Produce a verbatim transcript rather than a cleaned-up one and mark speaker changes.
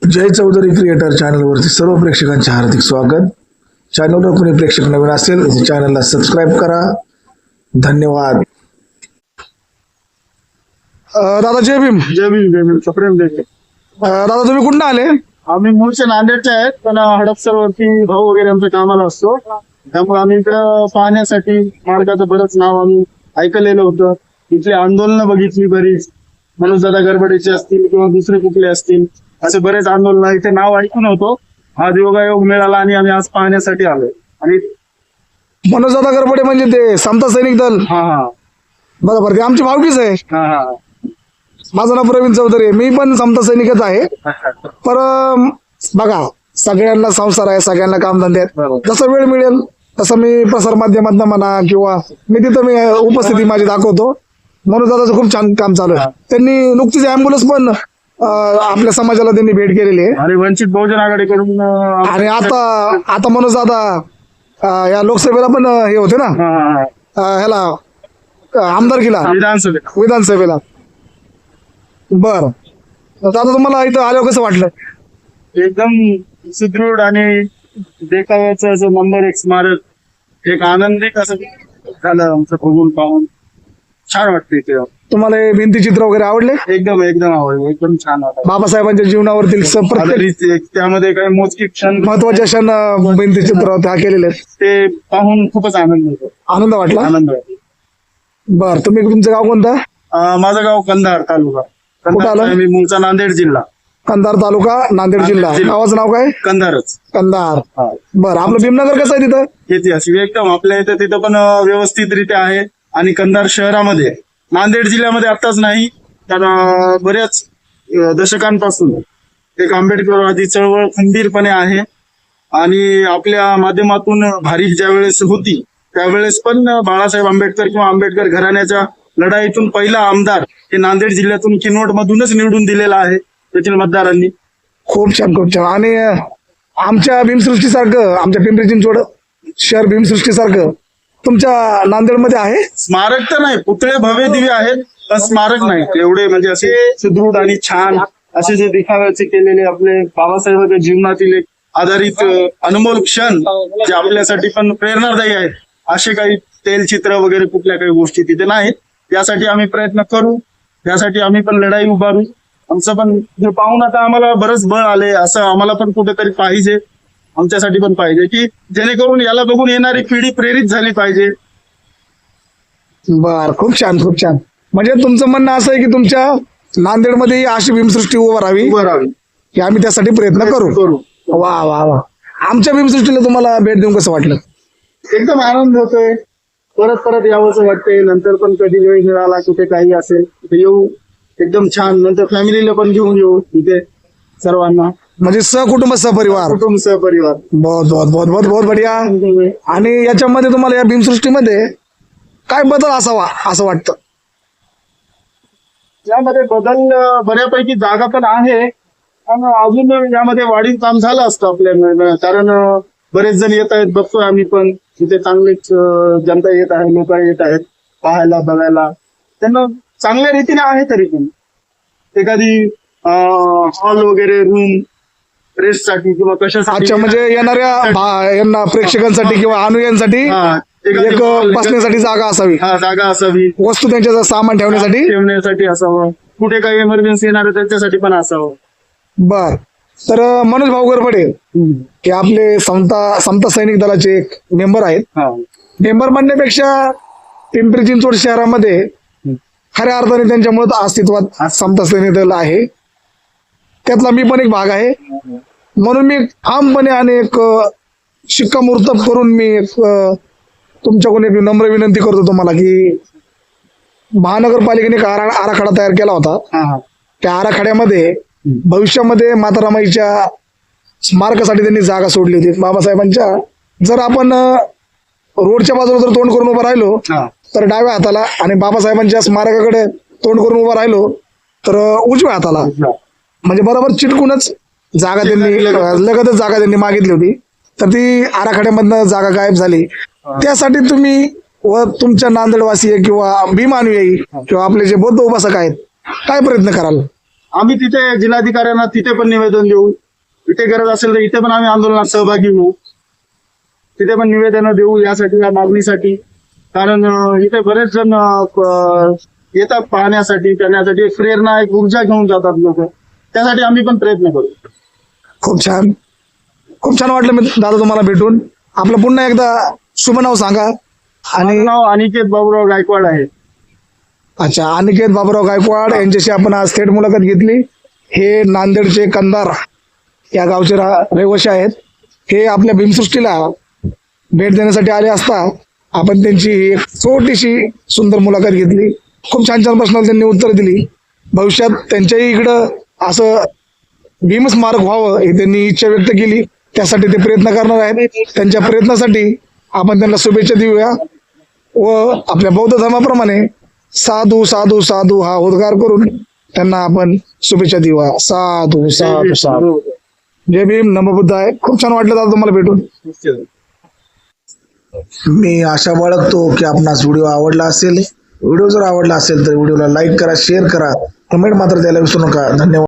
Speaker 1: जय Chaudhari creator चॅनलवरती सर्व प्रेक्षकांचे हार्दिक स्वागत. चॅनलवर कोणी प्रेक्षक नवीन असेल तर चॅनलला सबस्क्राईब करा. धन्यवाद. अं, दादा जय भीम.
Speaker 2: जय भीम जय भीम सप्रेम जय.
Speaker 1: अं, दादा तुम्ही कुठून आले?
Speaker 2: आम्ही मूळचे नांदेडचे आहेत, पण हडपसर वरती भाऊ वगैरे आमच्या कामाला असतो, त्यामुळे आम्ही इकडं पाहण्यासाठी मार्गाचं बरंच नाव आम्ही ऐकलेलं होतं. इथली आंदोलनं बघितली बरीच, मनोजदादा गरबडेचे असतील किंवा दुसरे कुठले असतील, असे बरेच आंदोलन इथे नाव ऐकून होतो. आज योगायोग मिळाला आणि आम्ही आज पाहण्यासाठी आलोय. आणि
Speaker 1: मनोजदादा गरबडे म्हणजे ते समता सैनिक दल.
Speaker 2: हा हा
Speaker 1: बरोबर, ते आमची भावकीच आहे.
Speaker 2: हा हा
Speaker 1: माझं नाव प्रवीण चौधरी आहे, मी पण समता सैनिकच आहे. पर अं, बघा, सगळ्यांना संसार आहे, सगळ्यांना कामधंदे आहेत.
Speaker 2: बरोबर.
Speaker 1: जसं वेळ मिळेल तसं मी प्रसार माध्यमातून म्हणा किंवा मी तिथं मी उपस्थिती माझी दाखवतो. मनोजदादाचं खूप छान काम चालू आहे. त्यांनी नुकतीच अँब्युलन्स पण अं, आपल्या समाजाला त्यांनी भेट केलेली आहे.
Speaker 2: आणि वंचित बहुजन आघाडीकडून अं,
Speaker 1: आणि आता आता मनोजदादा अं, या लोकसभेला पण अं, हे होते ना,
Speaker 2: हा, हा, हा.
Speaker 1: अं, ह्याला अं, आमदारकीला
Speaker 2: विधानसभेत
Speaker 1: विधानसभेला. बर दादा, तुम्हाला इथं आल्यावर कसं वाटलं?
Speaker 2: एकदम सुदृढ आणि देखाव्याचं असं नंबर एक स्मारक, एक आनंदिक असं झालं आमचं बघून पाहून. छान वाटतं इथे.
Speaker 1: तुम्हाला हे भिंतीचित्र वगैरे आवडले?
Speaker 2: एकदम एकदम आवडलं, एकदम छान वाटलं.
Speaker 1: बाबासाहेबांच्या जीवनावरील स- प्रत्येक
Speaker 2: आधारित एक त्यामध्ये काही मोजकी क्षण
Speaker 1: महत्वाचे क्षण अं, भिंतीचित्र त्या केलेले आहेत.
Speaker 2: ते पाहून खूपच आनंद होतो,
Speaker 1: आनंद वाटला.
Speaker 2: आनंद वाटतो.
Speaker 1: बर, तुम्ही तुमचं गाव कोणतं?
Speaker 2: अं, माझं गाव कंधार तालुका.
Speaker 1: कुठं
Speaker 2: कंधार
Speaker 1: आलं?
Speaker 2: आहे, मी मूळचा नांदेड जिल्हा.
Speaker 1: कंधार तालुका, नांदेड जिल्हा.
Speaker 2: जिल्हा.
Speaker 1: गावाचं नाव काय?
Speaker 2: कंधारच.
Speaker 1: कंधार.
Speaker 2: हा.
Speaker 1: बर, आपलं भीमनगर कसं आहे तिथं?
Speaker 2: ऐतिहासिक एकदम आपल्या इथं तिथं पण अं, व्यवस्थितरित्या आहे. आणि कंधार शहरामध्ये, नांदेड जिल्ह्यामध्ये आताच नाही तर अं, बऱ्याच अं, दशकांपासून एक आंबेडकरवादी चळवळ खंबीरपणे आहे. आणि आपल्या माध्यमातून भारिक ज्या वेळेस होती त्यावेळेस पण बाळासाहेब आंबेडकर किंवा आंबेडकर घराण्याच्या लढाईतून पहिला आमदार हे नांदेड जिल्ह्यातून किनवट मधूनच निवडून दिलेला आहे तेथील मतदारांनी.
Speaker 1: खूप छान, खूप छान. आणि अं, आमच्या भीमसृष्टीसारखं, आमच्या पिंपरी चिंचवड शहर भीमसृष्टीसारखं तुमच्या नांदेडमध्ये आहे?
Speaker 2: स्मारक तर नाही, पुतळे भव्य दिव्य आहेत, पण स्मारक नाही एवढे म्हणजे असे सुदृढ आणि छान असे जे दिखाव्याचे केलेले आपले बाबासाहेबांच्या जीवनातील एक आधारित अ, अनमोल क्षण जे आपल्यासाठी पण प्रेरणादायी आहेत, असे काही तेलचित्र वगैरे कुठल्या काही गोष्टी तिथे नाहीत. यासाठी आम्ही प्रयत्न करू, यासाठी आम्ही पण लढाई उभारू. आमचं पण हे पाहून आता आम्हाला बरंच बळ आले, असं आम्हाला पण कुठेतरी पाहिजे, आमच्यासाठी पण पाहिजे की जेणेकरून याला बघून येणारी पिढी प्रेरित झाली पाहिजे.
Speaker 1: बर, खूप छान, खूप छान. म्हणजे तुमचं म्हणणं असं आहे की तुमच्या नांदेडमध्ये अशी भीमसृष्टी उभं राहावी,
Speaker 2: उभं राहावी,
Speaker 1: की आम्ही त्यासाठी प्रयत्न करू.
Speaker 2: करू.
Speaker 1: वा वा वा. आमच्या भीमसृष्टीला तुम्हाला भेट देऊन कसं वाटलं?
Speaker 2: एकदम आनंद होतोय, परत परत यावंसं वाटतंय. नंतर पण कधी वेळ मिळाला, कुठे काही असेल तिथे येऊ, एकदम छान. नंतर फॅमिलीला पण घेऊन येऊ इथे सर्वांना,
Speaker 1: म्हणजे सहकुटुंब सहपरिवार.
Speaker 2: कुटुंब सहपरिवार.
Speaker 1: बहुत बहुत बहुत बहुत बहुत बढिया. आणि याच्यामध्ये तुम्हाला या भीमसृष्टीमध्ये काय बदल असावा असं वाटतं?
Speaker 2: यामध्ये बदल अं, बऱ्यापैकी जागा पण आहे, पण अजून यामध्ये वाढीव काम झालं असतं आपल्या, कारण अं, बरेच जण येत आहेत, बघतोय आम्ही पण तिथे चांगलेच अं, जनता येत आहे, लोक येत आहेत पाहायला बघायला. त्यांना चांगल्या रीतीने आहे. तरी पण एखादी हॉल वगैरे रूम रेस्टसाठी किंवा कशासाठी,
Speaker 1: अच्छा, म्हणजे येणाऱ्या भा- यांना प्रेक्षकांसाठी किंवा अनुयांसाठी
Speaker 2: हा, एखादी
Speaker 1: एक
Speaker 2: hall,
Speaker 1: बसण्यासाठी जागा असावी,
Speaker 2: हा, जागा असावी,
Speaker 1: वस्तू त्यांच्या सामान ठेवण्यासाठी.
Speaker 2: ठेवण्यासाठी असावं, कुठे काही इमर्जन्सी येणार आहे त्यांच्यासाठी पण असावं.
Speaker 1: बर, तर अं, मनोज भाऊ गरबडे हे आपले समता समता सैनिक दलाचे एक मेंबर आहेत.
Speaker 2: हा,
Speaker 1: मेंबर म्हणण्यापेक्षा पिंपरी चिंचवड शहरामध्ये खऱ्या अर्थाने त्यांच्यामुळे अस्तित्वात समता सैनिक दल आहे, त्यातला मी पण एक भाग आहे. म्हणून मी ठामपणे आणि एक अं, शिक्कामोर्तब करून मी एक अं, तुमच्याकडून एक नम्र विनंती करतो तुम्हाला की महानगरपालिकेने एक आरा- आराखडा तयार केला होता.
Speaker 2: हा, हा.
Speaker 1: त्या आराखड्यामध्ये भविष्यामध्ये माता रमाईच्या स्मारकासाठी त्यांनी जागा सोडली होती बाबासाहेबांच्या. जर आपण अं, रोडच्या बाजूला जर तोंड करून उभं राहिलो
Speaker 2: हा.
Speaker 1: तर डाव्या हाताला, आणि बाबासाहेबांच्या स्मारकाकडे तोंड करून उभं राहिलो तर अं, उजव्या हाताला, म्हणजे बरोबर चिटकूनच जागा त्यांनी अं, लगतच जागा त्यांनी मागितली होती. तर ती आराखड्यामधनं जागा गायब झाली. त्यासाठी तुम्ही व तुमच्या नांदेडवासी किंवा भीम अनुयायी किंवा आपले जे बौद्ध उपासक आहेत काय प्रयत्न कराल?
Speaker 2: आम्ही तिथे जिल्हाधिकाऱ्यांना तिथे पण निवेदन देऊ. इथे गरज असेल तर इथे पण आम्ही आंदोलनात सहभागी होऊ. तिथे पण निवेदन देऊ यासाठी, या मागणीसाठी. कारण अं, इथे बरेच जण अं, प- येतात पाहण्यासाठी, करण्यासाठी. एक प्रेरणा, एक ऊर्जा घेऊन जातात लोक. त्यासाठी आम्ही पण प्रयत्न करू.
Speaker 1: खूप छान, खूप छान वाटलं मी दादा तुम्हाला भेटून. आपलं पुन्हा एकदा शुभ नाव सांगा. आणि
Speaker 2: माझं नाव अनिकेत बाबूराव गायकवाड आहे.
Speaker 1: अच्छा, अनिकेत बाबूराव गायकवाड यांच्याशी आपण आज थेट मुलाखत घेतली. हे नांदेडचे कंधार या गावचे रा- रहिवासी आहेत. हे आपल्या भीमसृष्टीला भेट देण्यासाठी आले असता आपण त्यांची एक छोटीशी सुंदर मुलाखत घेतली. खूप छान छान प्रश्नाला त्यांनी उत्तर दिली. भविष्यात त्यांच्याही इकडं असं भीम स्मारक व्हावं हे त्यांनी इच्छा व्यक्त केली. त्यासाठी ते प्रयत्न करणार आहेत. त्यांच्या प्रयत्नासाठी आपण त्यांना शुभेच्छा देऊया व आपल्या बौद्ध धर्माप्रमाणे साधू साधू साधू हा उद्गार करून त्यांना आपण शुभेच्छा देऊया. साधू साधू साधू. जय भीम, नमो बुद्धाय. खूप छान वाटलं दादा तुम्हाला भेटून. मी आशा बाळगतो की आपणास व्हिडिओ आवडला असेल. व्हिडिओ जर आवडला असेल तर व्हिडिओला लाईक करा, शेअर करा, कमेंट मात्र द्यायला विसरू नका. धन्यवाद.